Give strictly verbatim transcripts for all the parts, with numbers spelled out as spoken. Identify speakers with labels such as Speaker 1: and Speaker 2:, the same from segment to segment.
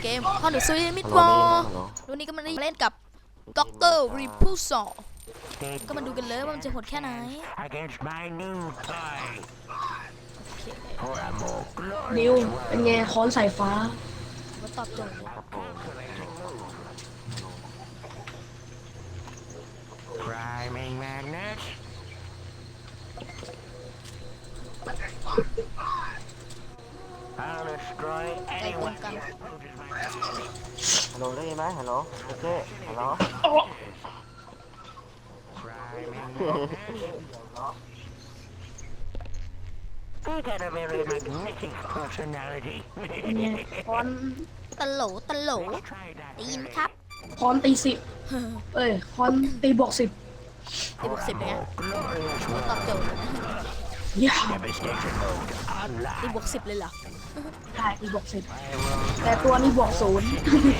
Speaker 1: เกมคอนเดอร์ซีมิดวอร์วันนี้ก็มาเล่นกับด็อกเตอร์รีพูซอก็มาดูกันเลยว่ามันจะโหดแค่ไหน
Speaker 2: นิวเป็นไงค้อนสายฟ้า
Speaker 1: ว่าตอบโจทย์เลย
Speaker 3: Priming magnet.
Speaker 1: ไกลตรงกัน
Speaker 4: ฮัลโหลได้ยินไหมฮัลโหลโอเคฮัลโหล
Speaker 3: I got a very magnetic personality.
Speaker 2: ค้อน
Speaker 1: ตะโหลตะโหลได้ยินไหมครับ
Speaker 2: ค้อนตีสิบเอ้ยค้อนตีบวกสิบ
Speaker 1: ตีบวกสิบเลยไงว่าตอบโจทย์เลยนะ
Speaker 2: ย่า
Speaker 1: ตีบวกสิบเลยเหรอ
Speaker 2: ได้ตีบวกสิบแต่ตัวนี้บวกศูนย์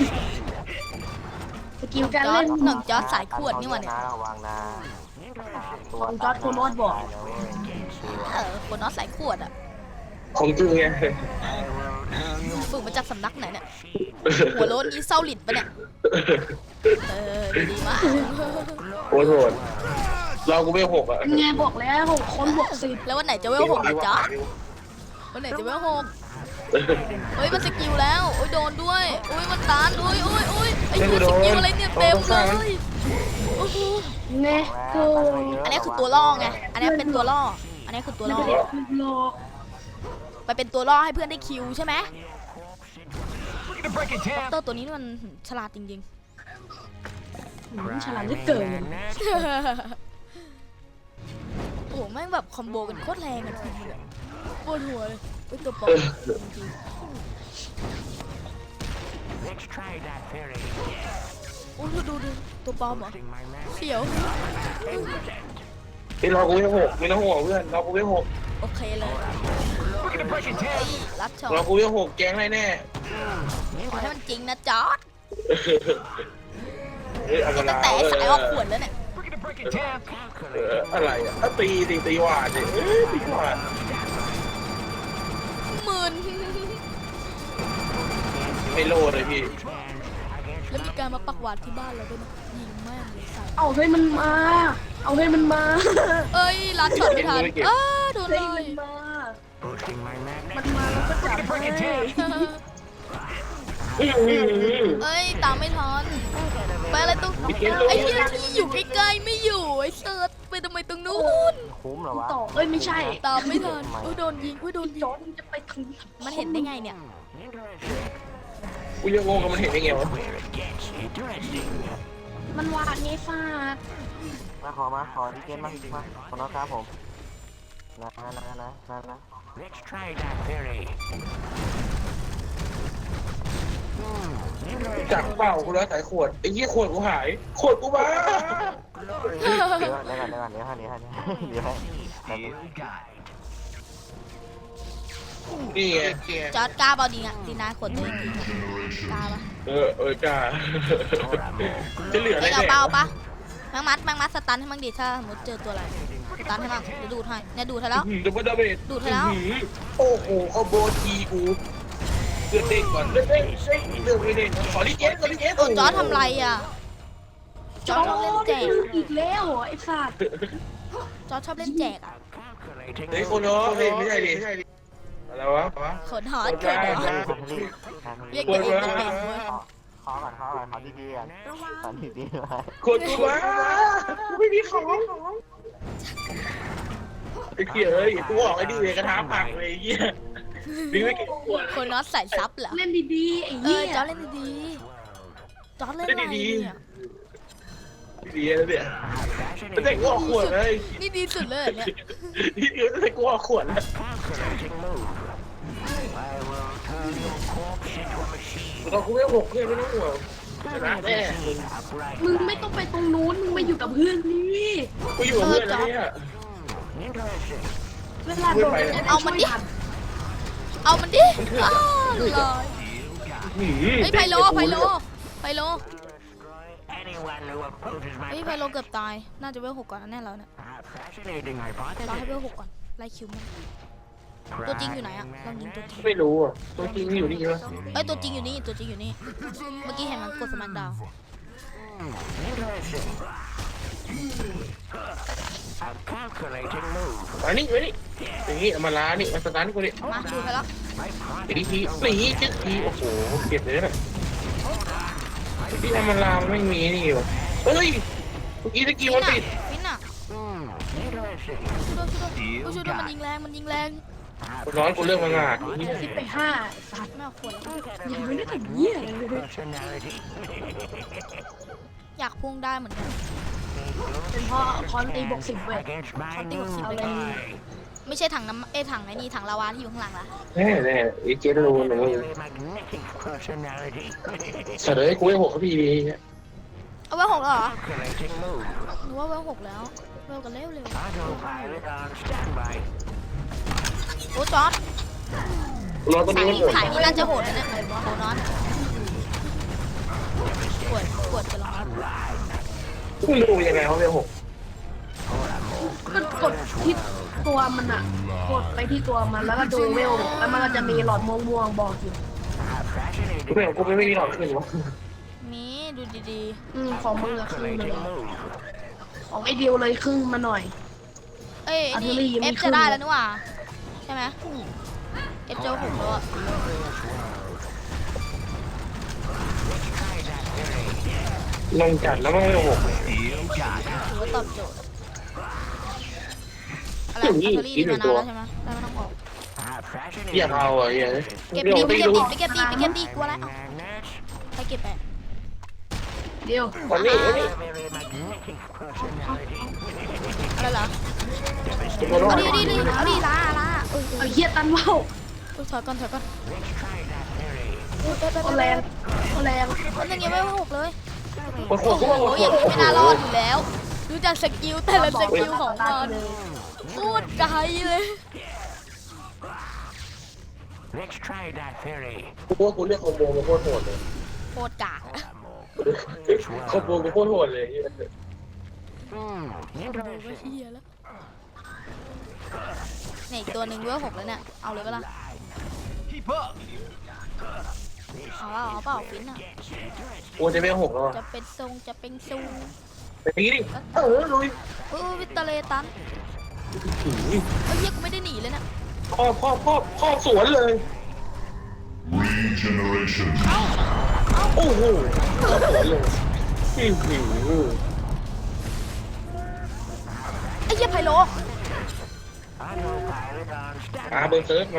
Speaker 2: สกิลการ
Speaker 1: จอ
Speaker 2: เล่
Speaker 1: ร์ด
Speaker 2: น
Speaker 1: หนึ่งจอร์ดสายขวดนี่หว่าเนี่ย
Speaker 4: ระวังนะ
Speaker 2: ของจอร์ดโคโนอสบอก
Speaker 1: เออคนน็อตสายขวดอ่ะ
Speaker 5: ของจริงไง
Speaker 1: ฝึกมาจากสำนักไหนเนี่ยหัวโล้นอีเซาลิดปะเนี่ยเออดีมาก
Speaker 5: โคตรโหดเรากูไม่หกอ่ะ
Speaker 2: เป็นไงบอกแล้วค้อนบวกสิบ
Speaker 1: แล้ววันไหนจะเวลหกนะจ๊ะวันไหนจะเวลหกเฮ้ยมันสกิลแล้วโอ้ยโดนด้วยโอ้ยมันตันโอ้ยโอ้ยโอ้ยไอ้เหี้ยสกิลอะไรเนี่ยเต็มเลยโอ้โห
Speaker 2: ไงคือ
Speaker 1: อันนี้คือตัวล่อไงอันนี้เป็นตัวล่ออันนี้คือตัวล่อ
Speaker 2: โล
Speaker 1: ไปเป็นตัวล่อให้เพื่อนได้คิวใช่ไหมตัวตัวนี้มันฉลาดจริง
Speaker 2: ฉลาดเหลือเกิน
Speaker 1: ๆโอ้โหแม่งแบบคอมโบกันโคตรแรงอะทีมเลยปวดหัวเลยไอ้ตัวปอม
Speaker 3: Let's try that theory.
Speaker 1: โอ้ดูดูดูตัวปลอมเหรอเสียว
Speaker 5: ไอ้เรากูไม่หกไม่ต้องห่วงเพื่อนเรากูไม่หก
Speaker 1: โอเคเลยไอ้รัดช็อต
Speaker 5: เรากูไม่หกแก๊งแน่แน่
Speaker 1: ขอให้มันจริงนะจอร์ด
Speaker 5: เฮ้ยเอาเว
Speaker 1: ตั้
Speaker 5: ลาง
Speaker 1: แต่สายออกขวดแล้วเนี่ย
Speaker 5: เอออะไรอ่ะถ้าตีตีตีหวานดิเอ้ยตีหวาน
Speaker 1: หมื่น
Speaker 5: ไม่โลดเลยพี่
Speaker 1: แล้วมีการมาปักหวาดที่บ้านเราด้วยนะยิงแม่งเลยใส่
Speaker 2: เอาให้มันมา เอาให้มันมา
Speaker 1: เอ้ยรัดช็อตไม่ทันอ้าโดน
Speaker 2: ให้
Speaker 1: เล
Speaker 2: มั
Speaker 1: ย
Speaker 2: นมา
Speaker 3: Boosting my
Speaker 2: มัน
Speaker 3: magnet.
Speaker 2: มาแล้วก็จับให้
Speaker 1: เอ้ยตามไม่ทันไปอะไรตรงไอ้เหี้ยที่อยู่ใกล้ๆไม่อยู่ไอ้เซิร์ชไปทำไมตรงนู้น
Speaker 4: คุ้มเหรอวะ
Speaker 2: ต่อเอ้ยไม่ใช่
Speaker 1: ตามไม่ทันอุ้ยโดนยิงอุ้ยโดนยิ
Speaker 2: จอง ร์ดมันจะไปถึง
Speaker 1: มันเห็นได้ไงเนี่ย
Speaker 5: กูยังงงกับมันเห็นได้ไงวะ
Speaker 3: Where it gets interesting.
Speaker 2: มันวาดไงฟาด
Speaker 4: มาขอมาขอที่เกมมามาขอน้องครับผมนะนะนะนะนะนะ
Speaker 3: Let's try that theory.
Speaker 5: จักเปล่ากูแล้วสายขวดไอ้ยี่ขวดกูหายขวดกูมา
Speaker 4: เดี๋ยวเดี๋ยวก่อนเดี๋ยวก่อนเดี๋ยวก่อนเดี๋ยวให้เดี๋ยวให้เดี๋ยวให้แป๊บนึง
Speaker 5: นี่ไง
Speaker 1: จอร์ดกล้าเปล่าดีอ่ะดีนาขนตัวเองดีกล้าปะ
Speaker 5: เออเออกล้าจะเหลืออะไร
Speaker 1: เฮ้ย
Speaker 5: เนี่
Speaker 1: เอา
Speaker 5: ย
Speaker 1: เปล่าปะแมงมัดแมงมัดสตันให้มั่งดิถ้าสมมติเจอตัวอะไรสตันให้มั่งเดี๋ยวดูดให้เนี่ยดูดให้แล้ว
Speaker 5: ดับเบิลดาเมจ
Speaker 1: ดูดให้แล้ว
Speaker 5: โอ้โหคอมโบทีกูเลือดเด้งก่อนเลือดเด้งเลือดไม่เด้งขอรีเจนขอรีเจน
Speaker 1: โอ้จอร์ดทำไรอ่ะจ
Speaker 2: จ
Speaker 1: อ
Speaker 2: อ
Speaker 1: ร์ดชอบเล่นแจก
Speaker 2: ร์ดอีกแล้วเหรอไอ้สัตว์
Speaker 1: จอร์ดชอบเล่นแจกอ่ะ
Speaker 3: Calculating
Speaker 5: เฮ้ยโคโนะเฮ้ยไม่ใช่ดิอะไรวะ
Speaker 1: ขนหอดขนหอดเรียกตัวเองเป็นเป็นเว้ย
Speaker 4: ขอก่อนขอก่อนขอดีๆก่อนขอดีๆมา
Speaker 5: ขวดกูมากูไม่มีของไอ้เหี้ยเอ้ยกูบอกไอ้ดิเลยกระทะผักเลยไอ้เหี้ยมีไม่กี่ขวด
Speaker 1: คนน็อตใส่ซับเหรอ
Speaker 2: เล่นดีๆไอ้
Speaker 1: เอ
Speaker 2: เหี้
Speaker 1: อย จอร์ดเล่นดีๆจอร์ดเล่นอะไรเนี่ย
Speaker 5: ดีแล้วเนี่ยตั้งแต่กูออกขวดเลย
Speaker 1: นี่ดีสุดเลยเหรอเนี่ย
Speaker 5: นี่เดียวตั้งแต่กูออกขวดแล้ว
Speaker 3: calculating move. I will turn your corpse into a machine.
Speaker 5: เรากูไม่หกเพื่อนไม่ต้องห่วงชนะแน่
Speaker 3: Upright.
Speaker 2: มึงไม่ต้องไปตรงนู้นมึงไปอยู่กับเพื่อนนี่
Speaker 5: กูอยู่กับเพื่อนแล้วเนี่ย
Speaker 3: Interesting.
Speaker 2: เวลาโดน
Speaker 1: เอามันดิ เอามันดิอ้าวลอย
Speaker 5: หืม
Speaker 1: เฮ้ยไพโลไพโลไพโล
Speaker 3: Destroy anyone who opposes my
Speaker 1: เฮ้ยไพโลเกือบตาย น่าจะเวลหกก่อนแน่แล้วเนี่ย
Speaker 3: Ah, fascinating
Speaker 1: รอ
Speaker 3: hypothesis.
Speaker 1: ให้เวลหกก่อน ไล่คิวมันตัวจริงอยู่ไหนอะลองยิงตัวจริง
Speaker 5: ไม่รู้อ่ะตัวจริงอยู่นี่ใช่ไหม
Speaker 1: เอ้ยตัวจริงอยู่นี่ตัวจริงอยู่นี่เมื่อกี้เห็นมันกดสมัครดาว
Speaker 3: Interesting. A calculating move.
Speaker 5: มานี่มานี่อย่างนี้เอามาล้านี่มาสตาร์ทกูดิ
Speaker 1: มาดูไปแล้ว
Speaker 3: My
Speaker 5: ตีทีสี่เจ็ดทีโอ้โหเก็บเลยนะที่เอามาลามันไม่มีนี่วะเฮ้ยเมื่อกี้ตะกี้
Speaker 1: ฟิ
Speaker 5: มัน น
Speaker 1: อะ
Speaker 5: ติด
Speaker 1: ฟินอะ
Speaker 3: Hmm. Interesting.
Speaker 1: ช่วยด้วยช่วยด้วยช่วยด้วยมันยิงแรงมันยิงแรง
Speaker 5: กูร้อนกูเรื่องมังงาด
Speaker 2: สิบไปห้าสัตว์
Speaker 1: ไม่เอาขวดแล้ว
Speaker 2: ยังไม่ได้ทำเหี้ยเลย
Speaker 3: Personality.
Speaker 1: อยากพุ่งได้เหมือนกัน
Speaker 2: เป็นเพราะคอนตีบวกสิบเว้ย
Speaker 3: Against my
Speaker 1: Something
Speaker 3: new
Speaker 1: was
Speaker 2: similar.
Speaker 3: eye.
Speaker 1: ไม่ใช่ถังน้ำเอ้ยถังไอ้นี่ถังลาวาที่อยู่ข้างหลังละ
Speaker 5: แน่แน่ไอ้เจ๊รู้หนู
Speaker 3: Very magnetic personality.
Speaker 5: เฉลยกูให้หกเขาพี่ดี
Speaker 1: เอาไว้หกแล้วเหรอ
Speaker 3: Calculating move.
Speaker 1: หนูว่าไว้หกแล้วเร็วกันเร็วเร็ว
Speaker 3: Autopilot on standby.
Speaker 1: โอ้จอร์ด
Speaker 5: รอตัว
Speaker 1: ถ่า
Speaker 5: นี้
Speaker 1: ย
Speaker 5: มันหมด
Speaker 1: ถ่ายนี่น่าจะโหดนะเนี่ยโหดนอนปวดปวดจะลอง
Speaker 5: ไม่รู้ยังไงเขาเป็นหก
Speaker 2: ก็กดที่ตัวมันอะกดไปที่ตัวมันแล้วก็ดูเวลแล้วมันก็จะมีหลอดม่วงๆบอกอยู่
Speaker 5: กูไม่กูไม่ไม่มีหลอดขึ้นวะ
Speaker 1: มีดูดี
Speaker 2: อืมของมึงอะครึ่งมาเลย
Speaker 3: Calculating move.
Speaker 2: ของไอเดียวเลยครึ่งมาหน่อย
Speaker 1: ๆเอ้ย
Speaker 2: อันนี้
Speaker 1: นี่
Speaker 2: ยังไม่
Speaker 1: เอฟ
Speaker 2: ขึ้
Speaker 1: จะ
Speaker 2: น
Speaker 1: ได้แล้วนี่หว่าใช่ไหมเอฟเจอหกแล้วอะ
Speaker 5: ลงจัดแล้วมันไม่หก
Speaker 1: ถือว่าตอบโจทย์อะไรอัลเทอรี่มานานแล้วใช่ไหมได้ไม่ต้องออก
Speaker 5: อยากเอาอ่ะอย่าง
Speaker 1: เก็บ
Speaker 5: เดี๋ยว
Speaker 1: ดีไป
Speaker 5: ไป
Speaker 1: เก็บ
Speaker 5: ดู
Speaker 1: ดีไปเก็บดีไปเก็บดีกลัวอะไรเอา
Speaker 3: Magnets.
Speaker 1: ไปเก็บไป
Speaker 2: เดียว
Speaker 5: วันนี้วันนี้
Speaker 3: Very magnetic personality.
Speaker 1: อะไรเหรอ
Speaker 5: ตัวรอ
Speaker 1: เอา
Speaker 5: ด
Speaker 1: ดีดีดีเอาดีลาลาเอ้ยเอ้
Speaker 2: เอา
Speaker 1: ย
Speaker 2: เหี้ยตันว่าว
Speaker 1: เอ้ยถอยก่อนถอยก่อน
Speaker 3: Let's try that theory.
Speaker 1: เอ้ยไปไป
Speaker 2: โค
Speaker 1: ไป
Speaker 2: แรงโคแรง
Speaker 1: มันยังไม่หกเลย
Speaker 5: ปวดหั
Speaker 1: โอ้
Speaker 5: ว
Speaker 1: โห
Speaker 5: กูว่าปวด
Speaker 1: อย่างนี้ไม่น่ารอด
Speaker 5: หัว
Speaker 1: อยู่แล้ว ดูจากสกิลแต่ละสกิลของมันโคตรไกลเลย
Speaker 3: Let's try that theory.
Speaker 5: กูว่ากูเรียกคอมโบกูโคตรโหดเลย
Speaker 1: โคตรกาก
Speaker 5: คอมโบกูโคตรโหดเลย
Speaker 3: Hmm.
Speaker 1: ดูว่า
Speaker 3: Interesting.
Speaker 1: เฮียแล้วเนี่ยอีกตัวหนึ่งเวลหกแล้วเนี่ย เอาเลยปะล่ะ เอาเปล่าเอาเปล่าฟินอ่ะ
Speaker 5: กูจะไม่หกแล้ว
Speaker 1: จะเป็นทรงจะเป็นซู
Speaker 5: ไปตีดิเออลุย
Speaker 1: เออวิตาเลตันเอ้ยเฮียกูไม่ได้หนีเลยเนี่ย
Speaker 5: พ่อพ่อพ่อพ่อสวนเลย
Speaker 6: Regeneration.
Speaker 5: โอ้โหพ่อสวนเลยอื้อหือ
Speaker 1: ไอ้เฮียไพโล
Speaker 3: Autopilot on
Speaker 5: อา
Speaker 3: standby.
Speaker 5: เบอร์เซิร์ฟมา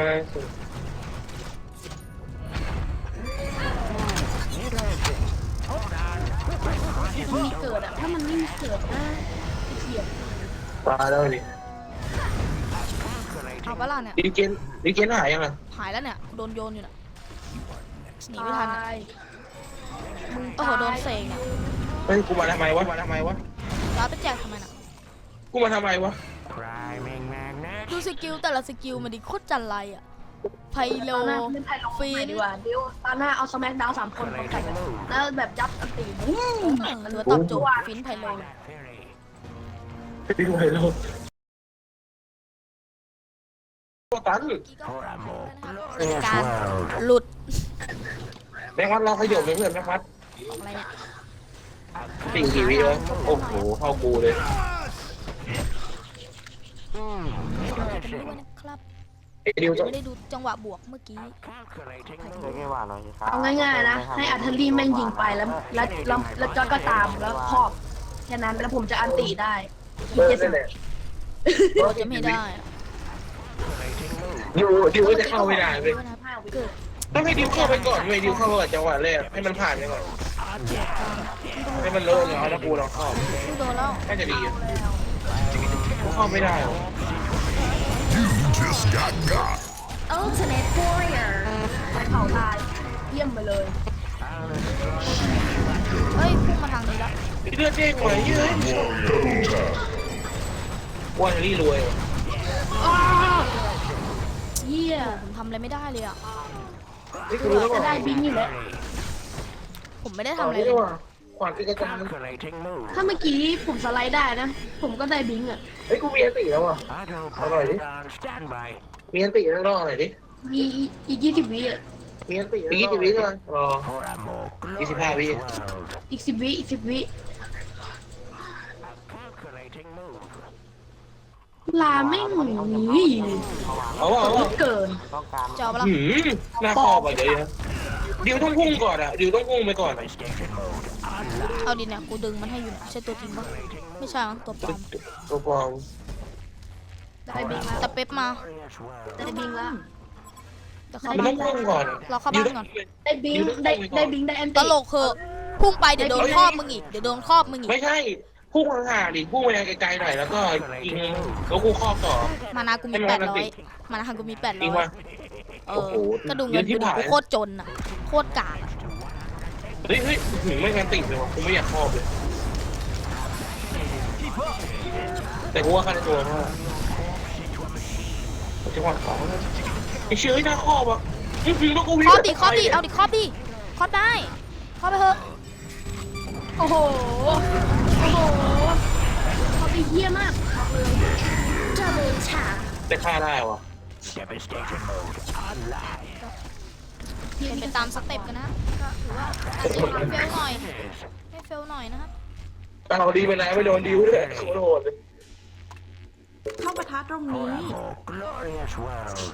Speaker 3: Interesting. Hold on.
Speaker 2: มันมีเกิดอะถ้ามันไม่มีเกิดนะไอ้เหี้ย
Speaker 5: ตายแล้วดิ
Speaker 1: เอาปะล่ะเนี่ย
Speaker 5: ดีเจนดีเจนหายยังไง
Speaker 1: หายแล้วเนี่ย โดนโยนอยู่น่ะหนีไม่ทันอะ
Speaker 2: ตายมึง
Speaker 1: โอ้โห
Speaker 2: ตาย
Speaker 1: โดนเสกเนี่ย
Speaker 5: เฮ้ยกูมาทำไมวะมาทำไมวะ
Speaker 1: รับไปแจกทำไมน่ะ
Speaker 5: กูมาทำไมวะ
Speaker 3: Priming magnet.
Speaker 1: ดูสกิลแต่ละสกิลมันดิโคตรจันไรอ่ะ ไพโล
Speaker 2: ตอนหน้าเล่นไพ่ลง
Speaker 1: ฟิน
Speaker 2: ดีกว่าเดี๋ยวตอนหน้าเอาสแมกดาวสามคนพร้อมกันเลยแล้วแบบยับอันตีบู๊ม
Speaker 1: เออหรือว่าตอบโจทย์ฟินไพโล
Speaker 3: That theory.
Speaker 5: ไปดูไอ้โลกตัวตัน
Speaker 3: For a more
Speaker 1: การ
Speaker 3: glorious world.
Speaker 1: หลุด
Speaker 5: แม่งวัดเราขยบเลยเพื่อนแม่งวัด
Speaker 1: ของอะไรเนี่ย
Speaker 5: สิ่งกี่วิวะโอ้โหเข้ากูเลย
Speaker 3: Hmm.
Speaker 1: ด้วย
Speaker 3: Interesting.
Speaker 1: นะครับ
Speaker 5: ไอ้ดิวจะ
Speaker 1: ไม่ได้ดูจังหวะบวกเมื่อกี้
Speaker 3: Calculating
Speaker 4: เดี๋ยว
Speaker 3: move.
Speaker 4: แค่ว่าหน่อยสิครับ
Speaker 2: เอาง่ายๆนะ ให้อัธรีแม่งยิงไปแล้วแล้วแล้วแล้วจอยก็ตามแล้วครอบแค่นั้นแล้วผมจะอันตีได้
Speaker 5: เออนั่นแหละ
Speaker 1: เราจะไม่ได้อะ
Speaker 3: Calculating move.
Speaker 5: ดิวดิวก็จะเข้าไม่ได้เลย
Speaker 1: เกิด
Speaker 5: ต้องให้ดิวเข้าไปก่อนเว้ยดิวเข้าไปก่อนจังหวะแรกให้มันผ่านไปก่อนให้มันโล่งเอาแล้วกูลองเข้า
Speaker 1: ดูโดนแล้ว
Speaker 5: น่าจะดีอะกูเข้าไม่ได้หรอ
Speaker 6: You just got got.
Speaker 2: Ultimate Warrior ไปเผาตายเยี่ยมไปเลย
Speaker 1: เฮ้ยพุ่งมาทางนี้แล้ว
Speaker 5: เลือดเด้งไหวเฮ้ย
Speaker 6: Double tap.
Speaker 5: ว่าจะรีรวยว่ะ
Speaker 2: อ้าวเยี่ย
Speaker 1: ผมทำอะไรไม่ได้เลยอ่ะ
Speaker 5: นี่กูรู้แล้ว
Speaker 2: จะ
Speaker 5: ว่า
Speaker 2: ได้บิงอยู่แล้ว
Speaker 1: ผมไม่ได้
Speaker 5: ตอ
Speaker 1: ทำ
Speaker 5: น
Speaker 1: อะไร
Speaker 5: นี้
Speaker 1: เลย
Speaker 5: ว่าขวานตีกระจัง
Speaker 3: Calculating move.
Speaker 2: ถ้าเมื่อกี้ผมสไลด์ได้นะ ผมก็ได้บิงอ่ะ
Speaker 5: เฮ้ยกูมีอันตีแล้วอ่ะ
Speaker 3: Autopilot on standby.
Speaker 5: มีอันติข้างนอกหน่อยดิ
Speaker 2: มีอีกยี่สิบวิอ่ะ
Speaker 5: มีอันติอีกยี่สิบวิก่อนรอ
Speaker 3: For a more
Speaker 5: Easy pie,
Speaker 3: glorious
Speaker 5: yeah.
Speaker 3: world.
Speaker 2: อีกสิบวิอีกสิบวิ
Speaker 3: Calculating move.
Speaker 2: ลาไม่งหนี
Speaker 5: เอาว่าเอาว่า
Speaker 2: เกิน
Speaker 4: ต้องการ
Speaker 1: จะเอาปะล่ะ
Speaker 5: หืมหน้าคอบอ่ะเดี๋ยวนะดิวต้องพุ่งก่อนอ่ะดิวต้องพุ่งไปก่อนอะ
Speaker 3: Station mode.
Speaker 1: เอาดิเนี่ยกูดึงมันให้อยู่เนี่ยใช่ตัวจริงปะไม่ใช่มั้งตัวปลอม
Speaker 5: ตัวปลอม
Speaker 2: ได้บิงแล้ว
Speaker 1: แต่เป๊ปมา
Speaker 3: Glorious world.
Speaker 2: ได้บิงแล้ว
Speaker 1: เดี๋ยวเข้า
Speaker 5: มัน
Speaker 1: บ้า
Speaker 5: ต้อน งพุ่งก่อน
Speaker 1: รอเข้าบ้านก่อน
Speaker 2: ได้บิงได้ได้บิงได้แอน
Speaker 1: ต
Speaker 2: ตี้
Speaker 1: ลกเหอะพุ่งไปเดี๋ยวโดนครอบมึงอีกเดี๋ยวโดนครอบมึงอีก
Speaker 5: ไม่ใช่พุ่งห่างๆดิพุ่งไปไกลๆหน่อยแล้วก็ยิงแล้วกูครอบต่อ
Speaker 1: มานากูมีแปดร้อยมานากูมีแปด
Speaker 5: จริ
Speaker 1: ร้
Speaker 5: ง
Speaker 1: อย
Speaker 5: ปะ
Speaker 1: เอ
Speaker 5: โอ้
Speaker 1: อ
Speaker 5: โห
Speaker 1: ก็ดูเงิน
Speaker 5: เยอะที่
Speaker 1: กูดิ
Speaker 5: ผ่าน
Speaker 1: กูโคตรจนอ่ะโคตรกากอะ
Speaker 5: เฮ้ยเฮ้ยหืมไม่งานติดเลยวะกูไม่อยากครอบเลยแต่กูว่าค่าในตัวมากจังหวะสองไอ้เชื้อหน้าครอบอ่ะอื้อหือแล้วกูวิ่ง
Speaker 1: ครอบดิครอบดิเอาดิครอบดิครอบได้ครอบไปเถอะ
Speaker 2: โอ้โหโอ้โหเขาไปเยี่ยมากบอกเลย
Speaker 5: แต่ฆ่าได้วะ
Speaker 3: Devastation mode. Online.
Speaker 1: เป็นไปตามสเต็ปกันนะก็ถือว่าอาจจะเฟลหน่อยไม่เฟลหน่อยนะครับ
Speaker 5: เอาดีไปไหนไม่โดนดิวเลยโคตรโหดเลย
Speaker 7: เข้าปะทะตรงนี้
Speaker 3: More glorious world.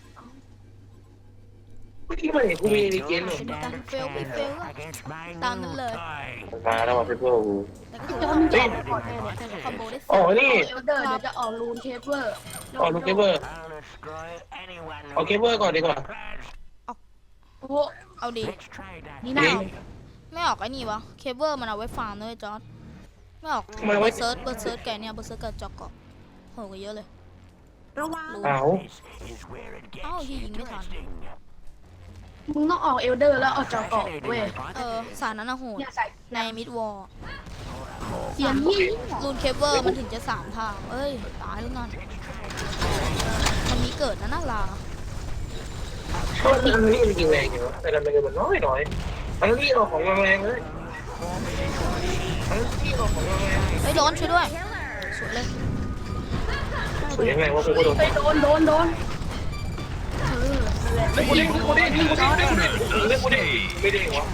Speaker 5: เมื่อกี้มันเห็นกูมีดีเกนเลย
Speaker 1: เป็นการเฟลไปเฟลอะ
Speaker 3: Against my
Speaker 1: Down the
Speaker 3: new
Speaker 1: left.
Speaker 3: toy.
Speaker 5: มาแล้วมาเพื่อนกู
Speaker 1: แต่ก็ถือ
Speaker 2: จอ
Speaker 1: ว่าม
Speaker 2: จะออกก่อนแน่เนี่ย
Speaker 1: คอมโบได้
Speaker 5: อ๋อ
Speaker 1: สุด
Speaker 5: นี่
Speaker 2: เอลเดอร์เดี๋ยวจะออกรูนเคเวอร์
Speaker 5: อ๋อลูกเกเบอร์
Speaker 3: I'll destroy anyone.
Speaker 5: เอาเกเบอร์ก่อนดีกว่า
Speaker 2: โอ้โห
Speaker 1: เอาดิ
Speaker 3: Let's try that.
Speaker 2: นี่น่า
Speaker 1: ไม่ออกไอ้นี่วะเคเบิลมันเอาไว้ฟาร์มเลยจอร์ดไม่ออก
Speaker 5: ทำไมไว้
Speaker 1: เบิร์ดเซิร์ชเบิร์ดเซิร์ชแกเนี่ยเบิร์ดเซิร์ชกับจอกเกาะโหกว่าเยอะเลย
Speaker 7: ระวัง
Speaker 1: รู้
Speaker 5: เอา
Speaker 3: This is where it gets
Speaker 1: เอ้าที่ยิงไม่ทัน
Speaker 3: interesting.
Speaker 2: มึงต้องออกเอลเดอร์แล้วออกจอเกาะเว้ย
Speaker 1: เออสารนั้นนะโหด
Speaker 2: เนี่ยใส่
Speaker 1: ในมิดวอล
Speaker 2: เสียงยี่
Speaker 1: รูนเคเบิลมันถึงจะสามทางเอ้ยตายแล้วนั่นมันมีเกิดนะน่าลา
Speaker 5: เพราะอันนี้มันยิงแรงอยู่วะแต่ละมันมันน้อยหน่อยอันนี้ออกของแรงเลยอันนี้ออกของแรง
Speaker 1: เฮ้ยโดนช่วยด้วยสวยเลย
Speaker 5: สวยยังไงวะกูก็โดน
Speaker 2: ไปโดนโดนโดนเออนั่นแหละ
Speaker 5: เล่นกูเด้งกูเด้งกูเด้งเล่นกูเด้งไม่เด้งวะ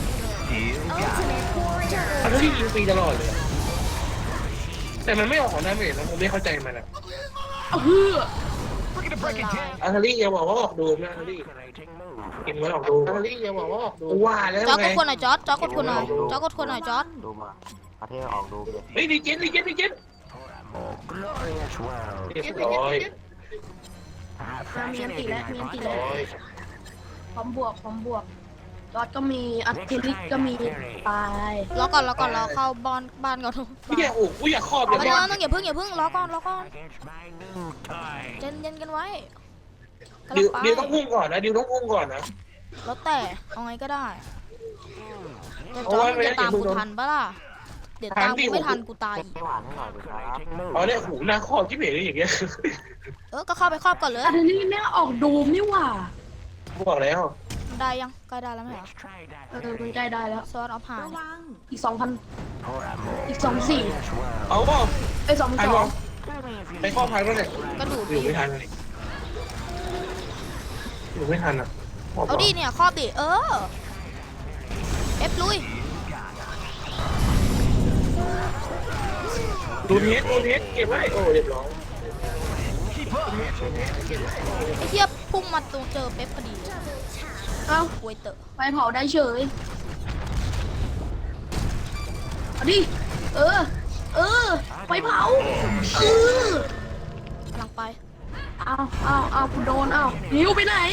Speaker 5: อันนี้ยิงฟรีตลอดเลยแต่มันไม่ออกของดาเมจนะผมไม่เข้าใจมันอะ
Speaker 2: เฮือ
Speaker 5: อัลลี่อย่าบอกว่าออกดูนะอัลลี่
Speaker 3: Calculating move.
Speaker 5: กินไว้ออกดูอัลลี่อย่าบอกว่าออกดูว่าแล้ว
Speaker 1: จอร์ด
Speaker 5: ไง
Speaker 1: กดคนหน่อยจอร์ดจอร์ดกดคนหน่อยจอร์ดกดคนหน่อยจอร์ด
Speaker 4: ดูมาประเทศออกดูเลย
Speaker 5: เฮ้ยดีเจนดีเจนดีเจน
Speaker 3: More glorious world.
Speaker 5: เรียบร้อย
Speaker 3: Our
Speaker 2: มีอันติแล้วมีอันติแล้ว
Speaker 5: ร้อย
Speaker 2: พร้อมบวกพร้อมบวกจอดก็มีอัตติลิกก็มีตาย
Speaker 1: รอก่อนรอก่อนรอเข้าบ้านบ้านก่อน
Speaker 5: กูอยากโอ้กูอยากครอบเล
Speaker 1: เดี๋ยวย
Speaker 5: บอล
Speaker 1: ต้องอย่าเพิ่งอย่าเพิ่งรอก่อนรอก่อน
Speaker 3: against my new toy.
Speaker 1: เย็นเย็นกันไว้กำ
Speaker 5: ดิ
Speaker 1: ลั
Speaker 5: ว
Speaker 1: งไป
Speaker 5: ดิวต้องพุ่งก่อนนะดิวต้องพุ่งก่อนนะ
Speaker 1: แล้วแต่เอาไงก็ได้แต่จ
Speaker 5: เอา
Speaker 1: อ
Speaker 5: ไว้
Speaker 1: ร์ด
Speaker 5: ไม่
Speaker 1: มึง
Speaker 5: ได้
Speaker 1: จะตาม
Speaker 5: มึ
Speaker 1: กู
Speaker 5: งโดน
Speaker 1: ทันปะล่ะเดี๋ยวตาม
Speaker 5: ทันดิ
Speaker 1: กูไม่ทันกูตาย
Speaker 4: เก็บไม่หวานให้หน่อยดีครับ
Speaker 3: Calculating
Speaker 5: อ๋อ
Speaker 3: move.
Speaker 5: เนี่ยหูหน้าครอบที่เบ๋อย่างเงี้ย
Speaker 1: เออก็เข้าไปครอบก่อนเลย
Speaker 2: อัตติลิกแม่งออกดูมนี่หว่า
Speaker 5: กูบอกแล้ว
Speaker 1: มันได้ยังใกล้ได้แล้วไหมเหรอ
Speaker 3: Let's try that.
Speaker 2: เออมันใกล้ได้แล้ว
Speaker 1: ซอสเอาผ่าน
Speaker 7: ระวัง
Speaker 2: อีกสองพัน
Speaker 3: For a more
Speaker 2: อีกสองสี่
Speaker 3: glorious world.
Speaker 5: เอาเปล่า
Speaker 2: ไอ้สอง
Speaker 5: ใคร
Speaker 2: ส
Speaker 5: บ
Speaker 2: อ
Speaker 5: อง กไปครอบทันก็เนี่ย
Speaker 1: ก็ดูด
Speaker 5: อยู่
Speaker 1: ดิ
Speaker 5: ไม่ทันเลยอยู่ไม่ทันอ่ะ
Speaker 1: เอาดิเนี่ยครอบดิเออเอฟลุย
Speaker 5: ดูเทสดูเทสเก็บไว้โอ้เรียบร้อย
Speaker 1: ไอ้เทียบพุ่งมาตรงเจอเป๊ปพอดี
Speaker 2: เอ้า
Speaker 1: ป่วยเตอะ
Speaker 2: ไปเผาได้เฉยเอาดิเออ เออ ไปเผาเออก
Speaker 1: ำลังไป
Speaker 2: เอาเอาเอากูโดนเอาหิวไปไหน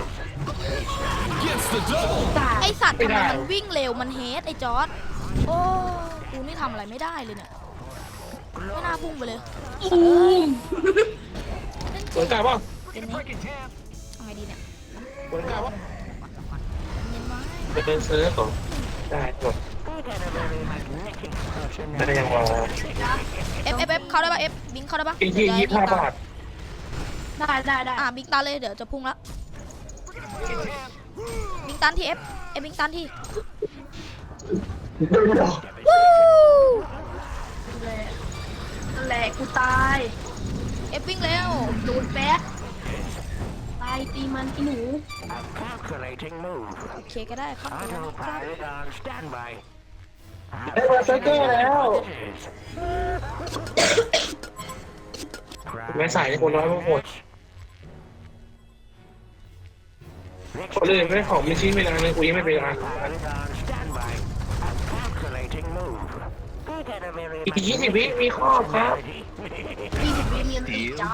Speaker 2: ตาย
Speaker 1: ไอสัตว์ทำไมมันวิ่งเร็วมันเฮดไอจอร์ดโอ้กูนี่ทำอะไรไม่ได้เลยเนี่ยไม่น่าพุ่งไปเลย
Speaker 2: อูม
Speaker 5: สวนกลับป่ะ
Speaker 1: เป็นนี้เอาไงดีเนี่ย
Speaker 5: สวนกลับป่ะ
Speaker 1: เย็นไว้
Speaker 5: ไปเดินเซิร์ฟก่อนได้หมด
Speaker 3: We got a very magnetic person
Speaker 5: ได้ยังวะ
Speaker 1: เอฟเอฟเอฟเข้าได้ปะเอฟบิงเข้าได้ปะ
Speaker 5: อีกที่ยี่สิบห้าบาท
Speaker 2: ได้ได้ได้
Speaker 1: อ่ะบิงตันเลยเดี๋ยวจะพุ่งละบิงตันที่เอฟเอฟบิงตันที่วู้
Speaker 2: นั่นแหละนั่นแหละกูตาย
Speaker 1: เอฟวิ่งเร็ว
Speaker 2: โดนแป๊กตีมันอีหนู
Speaker 3: Calculating move.
Speaker 1: โอเคก็ได้ครับครับ
Speaker 3: Autopilot on standby.
Speaker 5: ได้มาเซอร์เกอร์แล้วแม่ใส่ในคนน้อยมากหมดคนอื่นไม่ของมีชิ้นไม่นานเลยกูยังไม่เป็นอ่ะ
Speaker 3: Pilot on standby. Calculating move.
Speaker 5: อีกยี่สิบวิมีครอบครับ
Speaker 2: ยี่สิบวิเมียนตีจ้า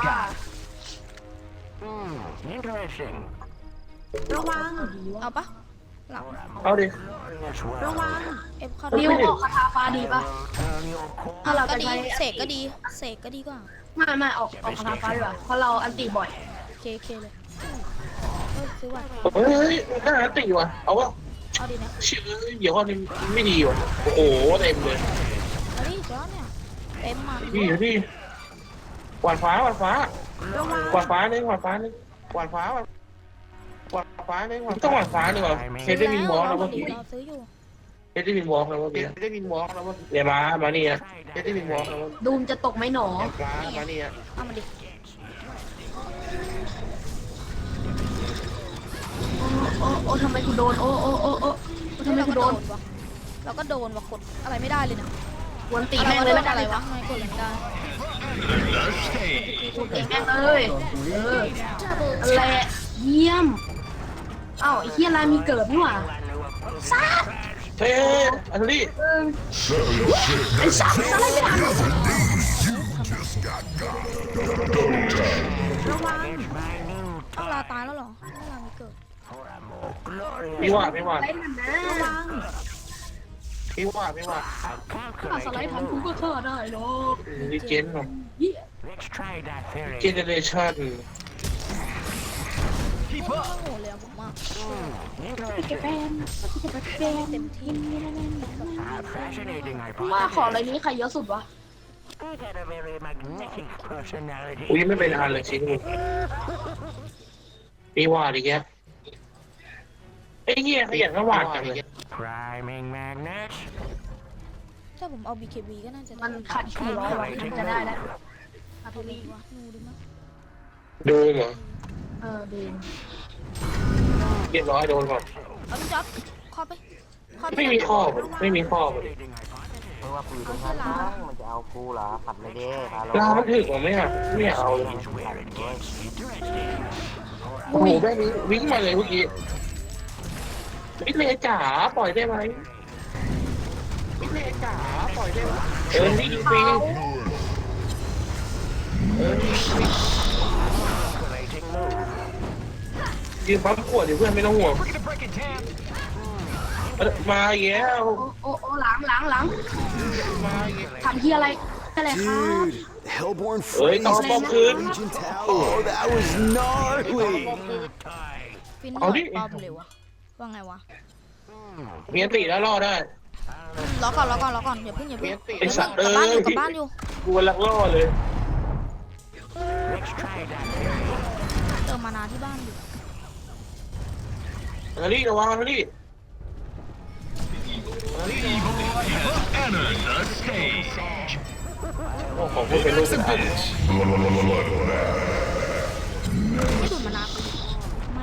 Speaker 3: Hmm, interesting.
Speaker 7: ระวัง
Speaker 1: เอาปะหลัง
Speaker 5: เอาดิ
Speaker 3: Glorious world.
Speaker 7: ระวัง
Speaker 1: เอฟเข้า
Speaker 2: ริวออกคาถาฟ้าดีปะ
Speaker 3: Turn your core.
Speaker 2: ถ้าเรา
Speaker 1: ก็
Speaker 2: จะ
Speaker 1: ดี
Speaker 2: ใช้
Speaker 1: เสกก็ดีเสกก็ดีกว่า
Speaker 2: ไม่ไม่ออกออกคาถาฟ้าดีกว่าเพราะเราอันตีบ่อย
Speaker 1: เคเคเลยเออซื้อว่ะ
Speaker 5: เฮ้ยน่าตีว่ะเอาวะ
Speaker 1: เอาดีนะ
Speaker 5: เชื่อเดี๋ยวข้อนี้ไม่ดีว่ะโอ้โหเต็มเลย
Speaker 1: เอาดิจ้าเนี่ยเต็มมา
Speaker 5: พี่อยู่ที่กวาดฟ้ากวาดฟ้า
Speaker 7: ระวัง
Speaker 5: กวาดฟ้านึงกวาดฟ้านึงกวาดฟ้ากวาดฟ้านึงต้องกวาดฟ้านึงว่ะเฮดได้มินวอล์กแล้วเมื่อกี้
Speaker 1: เราซื้ออยู่
Speaker 5: เฮดได้มินวอล์กแล้วเมื่อกี้เฮดได้มินวอล์กแล้วเมื่อกี้เนี่ยมามานี่อ่ะเฮดได้มินวอล์กแล้วเมื่อกี้
Speaker 2: ดูมจะตกไหมหนอ
Speaker 5: มามานี่อ่ะ
Speaker 1: เอามาดิ
Speaker 2: โอ้โอ้ทำไมกูโดนโอ้โอ้โอ้โอ้ทำไม
Speaker 1: เรา
Speaker 2: กู
Speaker 1: ก็
Speaker 2: โด
Speaker 1: โด
Speaker 2: น
Speaker 1: นวะเราก็โดนวะกดอะไรไม่ได้เลยนะ
Speaker 2: วนตี
Speaker 1: อะไร
Speaker 2: แม่งเลย
Speaker 1: วะ
Speaker 2: แล้วกัน
Speaker 1: อะไรวะทำไมกดอะไรไม่ได้
Speaker 2: วนตีแม่งเลยเออแหละเยี่ยมเอ้าไอ้เฮียลายมีเกิดนี่หว่าซา
Speaker 5: เฮ้ยอันนี้
Speaker 2: เออไอ้สัตว์อะไรไม่ทัน
Speaker 6: Just got got.
Speaker 7: ระวัง
Speaker 1: ต้องลาตายแล้วเหรอต้องลามีเกิด
Speaker 5: พี่ว่าพี่ว่า
Speaker 2: อะไรนั่นนะ
Speaker 7: ระวัง
Speaker 5: พี่ว่าพี่ว่า
Speaker 2: ถ้าสไลด์ทันกูก็ฆ่าได้หรอก
Speaker 5: ดีเจนหรอ
Speaker 2: เฮีย
Speaker 3: Let's try that
Speaker 5: เจ
Speaker 3: theory.
Speaker 5: เนเรชั่น
Speaker 1: โอ้โหเลยอะผมอ่ะ
Speaker 2: แกแฟนแกแฟน
Speaker 1: เต็มที่
Speaker 3: Ah, fascinating
Speaker 2: ว่าขอ
Speaker 3: hypothesis.
Speaker 2: อะไรนี้ใครเยอะสุดวะ
Speaker 3: I got a very magnetic personality.
Speaker 5: กูยังไม่เป็นอันเลยชิ้นกูพี่ว่าดิแกไอ้เหี้ยขยันก็วาดจังเลย
Speaker 3: Priming magnets.
Speaker 1: ถ้าผมเอา บี เค บี ก็น่าจะ
Speaker 2: มันขาดสี่ร้อยวันมันจะได้แล้ว
Speaker 1: อาร์ตรีวะนูดิมั้ย
Speaker 5: ดูเหรอ
Speaker 2: เออดี
Speaker 5: เรียบร้อยโดนก่อน
Speaker 1: เอาพี่จ๊อบคอไปคอไป
Speaker 5: ไม่มีข้อไม่มีข้อ
Speaker 4: เพราะว่าปืนตรงนั้นมันจะเอากูเหรอขัดไม่ได้พา
Speaker 5: ลามันถึกกว่าไม่อ่ะไม่เอาเลย
Speaker 3: Is where it gets interesting.
Speaker 5: โอ้โหแม่นี้วิ่งมาเลยเมื่อกี้วิเลจ๋าปล่อยได้ไหมวิเลจ๋าปล่อยได้ไหมเออนี่ฟรีเออนี่ฟรี
Speaker 3: Calculating move.
Speaker 5: ยืนปั๊มขวดอยู่เพื่อนไม่ต้องห่วงเออมาแย้ว
Speaker 2: โอ้โอ้โอ้หลังหลังหลัง
Speaker 5: มาแย้ว
Speaker 2: ทำที่อะไรอะไรครับ
Speaker 8: Hellborn
Speaker 5: เฮ้ย
Speaker 8: Freeze
Speaker 5: ต้องป้อมคืน
Speaker 8: Legion Tower. Oh, that was gnarly.
Speaker 1: ฟินหน่อยป้อมเลยวะว่าไงวะ
Speaker 5: มีอันติแล้วรอได้
Speaker 1: รอก่อนรอก่อนรอก่อนอย่าเพิ่งอย่าเพิ่ง
Speaker 5: ไอ้สัตว์
Speaker 1: กลับบ้านอยู่
Speaker 5: เอ้ย
Speaker 1: กลับบ้านอยู่
Speaker 5: กูกำลังล่อเลย
Speaker 3: Let's try that theory.
Speaker 1: เติมมานาที่บ้านอยู่
Speaker 5: นารีระวังนารี
Speaker 6: Entered the stage.
Speaker 5: โอ้ของพูดเป็นลูกเป็นอัน
Speaker 1: ไม่ดูดมานาไม่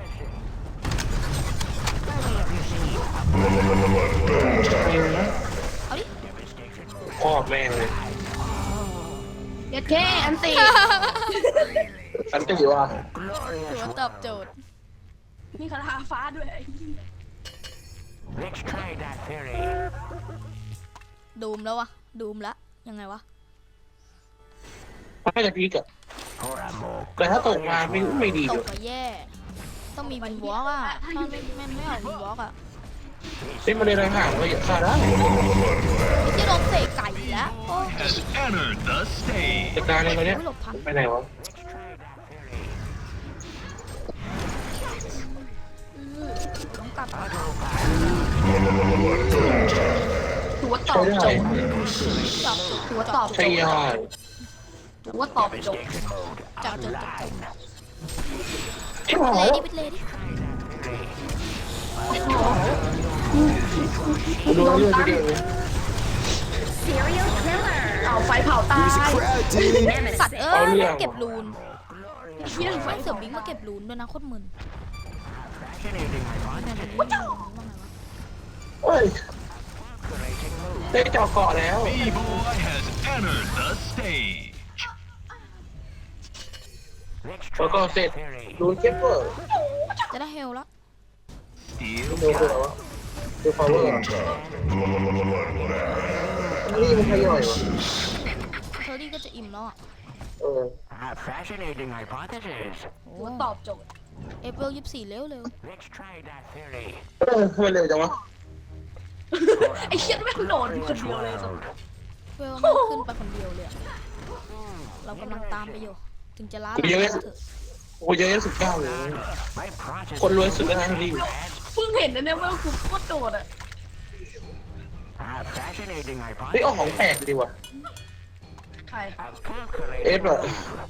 Speaker 1: เอาดิ
Speaker 5: ครอบแม่งเลย
Speaker 2: เด็ดเท่อันตี
Speaker 5: อันติว่ะ
Speaker 1: ถือว่าตอบโจทย์
Speaker 2: มีคาถาฟ้าด้วย
Speaker 3: Let's try that theory.
Speaker 1: ดูมแล้ววะดูมละยังไงวะ
Speaker 5: น่าจะพีกอะ
Speaker 3: For a more
Speaker 5: แต่ถ้าตกมาไม่ไม่ดี
Speaker 1: ต
Speaker 5: เล
Speaker 1: ก
Speaker 5: ย
Speaker 1: ก็แย่ ต้องมีวินวอล์กอ่ะถ้าไม่ไม่ไม่เอาวินวอล์กอ่ะ
Speaker 5: เล่นมาเลยห่างๆเลยอย่าฆ่าได้
Speaker 1: ไม่ใช่โดนเตะไก่อีกแล้วโอ้ย
Speaker 6: Has entered the stage.
Speaker 5: จัดการเลยคนเนี้ย
Speaker 1: ไม่หลบทัน
Speaker 5: ไปไหนวะ
Speaker 1: ต้องกลับ
Speaker 2: ถือว่าตอบ
Speaker 5: ใช้
Speaker 2: โจ
Speaker 5: ได้
Speaker 2: ทย์ถือว่าตอบโจ
Speaker 5: ใช้
Speaker 2: ทย์
Speaker 5: ยอด
Speaker 2: ถือว่าตอบโจทย์
Speaker 1: จับจุดจับจุด
Speaker 5: ใช่ไหม
Speaker 1: เลดี้ปิดเลดี้
Speaker 5: ดูเรื่องไปดิ
Speaker 2: เอาไฟเผาตาย
Speaker 8: There's a crowd, dude.
Speaker 1: สัตว์เอ้ยเก็บรูน
Speaker 2: เฮีย
Speaker 1: ไม่เสือบิงมาเก็บลูนด้วยนะโคตรมึน
Speaker 3: Fascinating hypothesis.
Speaker 1: ว่าไงวะ
Speaker 5: เฮ้ยได้เจาะเกาะแล้ว
Speaker 6: B-Boy has entered the stage.
Speaker 3: Let's
Speaker 5: แล้วก็
Speaker 3: try
Speaker 5: เสร็จ
Speaker 3: that theory.
Speaker 5: รูนเก็บเวอร์
Speaker 1: จะได้เฮลแล้ว
Speaker 6: Steel
Speaker 5: ดูคืออะไรวะดูพาวเวอร์นี่มันขย่อยวะ
Speaker 1: เทอรี่ก็จะอิ่มแล้วอ่ะ
Speaker 5: เออ
Speaker 3: A fascinating hypothesis.
Speaker 1: โอ้
Speaker 2: ตอบโจทย์
Speaker 1: เอเปลยี่สิบสี่เร็วเร็ว
Speaker 3: Let's try that theory.
Speaker 5: เออทำไมเร็วจังวะ
Speaker 2: ไอ้เฮียแม่งโดดอยู่คนเดียวเลยสัส
Speaker 1: เวลมันขึ้นไปคนเดียวเลยอะเรากำลังตามไปอยู่ ถึงจะล้าหลังก็เถอะ
Speaker 5: โอ้ยเยอะสุดเก้าเลย
Speaker 3: My process.
Speaker 5: คนรวยสุดแล้วนะรีบ
Speaker 2: เพิ่งเห็นนะเนี่ยว่าคุณโคตรโดดอ่ะ
Speaker 3: A fascinating
Speaker 5: เฮ้ยเอาของ
Speaker 3: hypothesis.
Speaker 5: แปลกดีว่ะ
Speaker 2: ใคร
Speaker 3: A calculated.
Speaker 5: เอฟเหรอ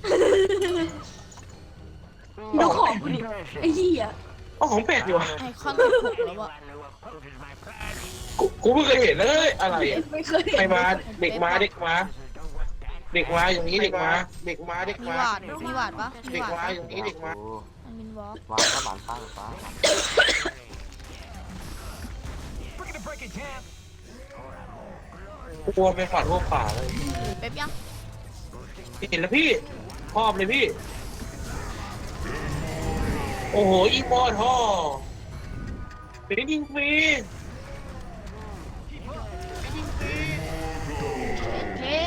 Speaker 2: ดูของกูดิไอ้เหี้ย
Speaker 5: เอาของแปลกดีว่ะ
Speaker 1: ไอคอนสิบหกแล้วอะ
Speaker 3: Anyone who opposes my plan
Speaker 5: กูกูเพิ่งเคยเห็นเลยอะไรอ่ะ
Speaker 2: ไม่เคย
Speaker 5: ใคร
Speaker 2: เห็น
Speaker 5: มาเด็กมาเด็กมา
Speaker 3: don't want that.
Speaker 5: เด็กมาอย่างนี้เด็กมาเด็กมาเด็ก
Speaker 1: มี
Speaker 5: มา
Speaker 1: หวาดมีหวาดปะมี
Speaker 5: เด็ก
Speaker 1: หวาด
Speaker 5: มา
Speaker 1: ปะ
Speaker 5: อย่างนี้เด็กมา
Speaker 4: โอ้
Speaker 1: มันมินวอล์ก
Speaker 4: วางก็บานฟ้าฟ้า
Speaker 5: กลัวไปฝันพวกป่าเลย
Speaker 1: เป๊ปยัง
Speaker 5: เห็นแล้วพี่ชอบเลยพี่ โอ้โหอีโมท่อเป็นยิงฟรี
Speaker 2: เฮ้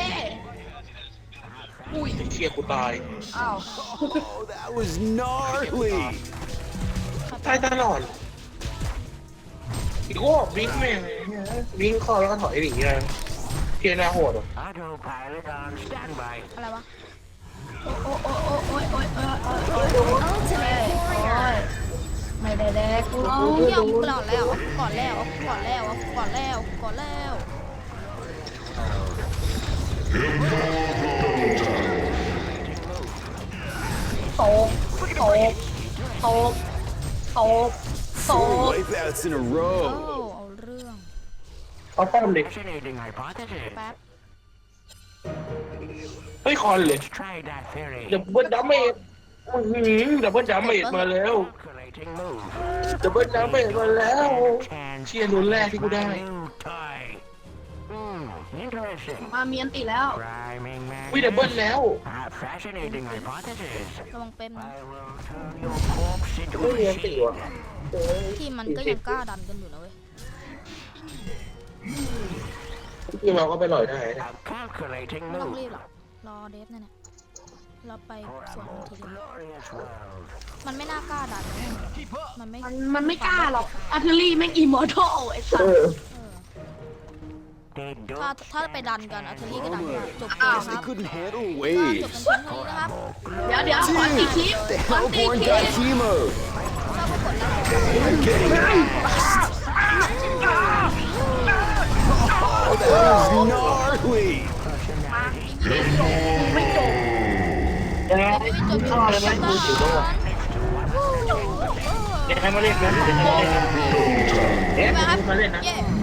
Speaker 2: อุ้ย
Speaker 5: เชียร์กูตาย
Speaker 2: อ้าว
Speaker 8: Oh, that was gnarly.
Speaker 5: ตายตลอดอีกว่าวิ่งแม่งวิ่งเข้าแล้วก็ถอยหนีเลยเทียนาโหดอ่ะ
Speaker 3: Autopilot on standby.
Speaker 1: อะไรวะ
Speaker 2: โอ้โอ้โอ้โอ้ยโอ้ยโอ้ยโอ้ยโอ้ยโอ้ยโอ้ยไม่ได้แดกกู
Speaker 1: เอา
Speaker 2: เอา
Speaker 1: เที่ยวกูก่อนแล้วก่อนแล้วก่อนแล้วก่อนแล้วก่อนแล้ว
Speaker 2: โตกโตกโตกโตกโต
Speaker 8: Four
Speaker 2: ก
Speaker 8: wipeouts in a
Speaker 1: โอ้
Speaker 8: row.
Speaker 1: เอาเรื่อง
Speaker 5: เอาป้อมเด็ก
Speaker 3: Fascinating hypothesis.
Speaker 1: แป๊บ
Speaker 5: เฮ้ยคอนเลย
Speaker 3: Let's try that theory.
Speaker 5: ดับเบิลดัมเมจดับเบิลดัมเมจมาแล้ว
Speaker 3: Calculating move.
Speaker 5: ดับเบิลดัมเมจมาแล้ว
Speaker 3: Chance
Speaker 5: เชียร์รุ่นแรกที่กูได้
Speaker 3: my new toy. Hmm, interesting.
Speaker 2: มาเมียนติแล้ว
Speaker 3: Rhyming man.
Speaker 5: วิดับเบิลแล้ว
Speaker 3: A fascinating hypothesis.
Speaker 1: ระวังเป็นนะ
Speaker 3: I will turn your corpse into
Speaker 5: ไม่
Speaker 3: a
Speaker 5: เรียนตี
Speaker 3: machine.
Speaker 5: ว่ะ
Speaker 1: ทีมมันก็ยังกล้าดันกันอยู่นะเว้ย
Speaker 5: ทีมเราก็ไปหล่อยได้นะ
Speaker 3: A calculating
Speaker 1: ไม่ต้อง
Speaker 3: move.
Speaker 1: รีบหรอกรอเดฟนั่นแหละเราไป
Speaker 3: For
Speaker 1: ส
Speaker 3: a
Speaker 1: วน
Speaker 3: more
Speaker 1: ทีเดียว
Speaker 3: glorious world.
Speaker 1: มันไม่น่ากล้าดันนะมันไม่
Speaker 2: มันมันไม่กล้าหรอกอาร์เทอรี่แม่งอิมมอร์ทัลไอ้สั
Speaker 5: เอ
Speaker 2: ส
Speaker 5: อ
Speaker 3: They
Speaker 1: ถ้า
Speaker 3: don't
Speaker 1: ถ้าไปดันกันอาร์เทอรี่ก็ดันได้จบเก
Speaker 2: อ้าว
Speaker 1: มค
Speaker 8: They
Speaker 1: รับ
Speaker 8: couldn't handle
Speaker 1: ก็จบ
Speaker 8: waves.
Speaker 1: กันเพียงเท่านี้นะครับ
Speaker 2: เดี๋ยวเดี๋ยวขอตีคลิป
Speaker 8: The
Speaker 2: ขอตี
Speaker 8: Hellborn
Speaker 2: คลิป
Speaker 8: got chemo.
Speaker 1: ถ้าก็กดแล้ว
Speaker 8: They're getting Oh, that was gnarly.
Speaker 2: ไม่จบ
Speaker 5: ยังไง
Speaker 1: ไม่จบ
Speaker 5: ชอบเลยไหมดูจิ๋วด้วย
Speaker 1: เ
Speaker 5: เดี๋ยวให้มาเล่นนะเดี๋ยวให้มาเล่นนะเอ๊ะ
Speaker 1: ไปครับ
Speaker 5: มาเล่นนะ
Speaker 1: เย้